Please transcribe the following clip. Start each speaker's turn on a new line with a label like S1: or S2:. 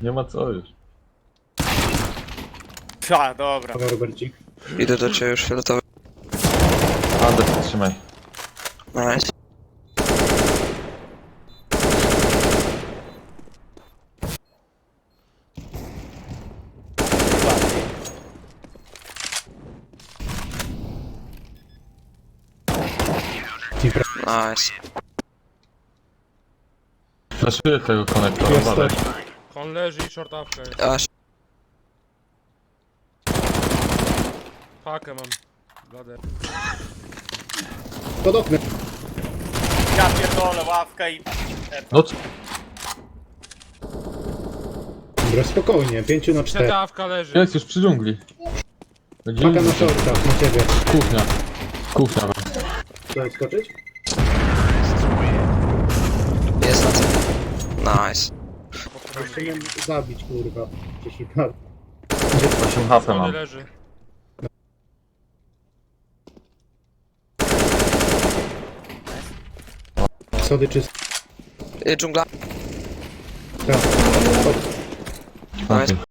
S1: Nie ma co już.
S2: A, dobra.
S3: Dobra, Robercik.
S4: Idę do ciebie już fioletowy.
S1: Adę, trzymaj.
S4: Nice. Nice.
S1: Flaszuję tego konektora,
S3: Jest
S1: badaj.
S3: też.
S5: On leży i shortawka jest.
S4: Aż.
S5: Pakę mam. Bladę.
S3: Pod oknem.
S2: Ja pierdolę, ławka i...
S1: No co?
S3: Dobra, spokojnie. 5 na 4.
S5: Shortawka leży.
S1: Jest już przy dżungli. Będzie
S3: Paka na
S1: inny.
S3: shortach, na ciebie.
S1: Kuchnia. Kuchnia.
S3: Chcesz skoczyć?
S4: Jest na co. Nice.
S3: Jeszcze nie zabić, kurwa. Gdzieś i tak.
S1: 8 HP
S5: Schody
S1: mam.
S5: leży.
S3: Schody czyste.
S4: Dżungla.
S3: Tak.
S1: Okay.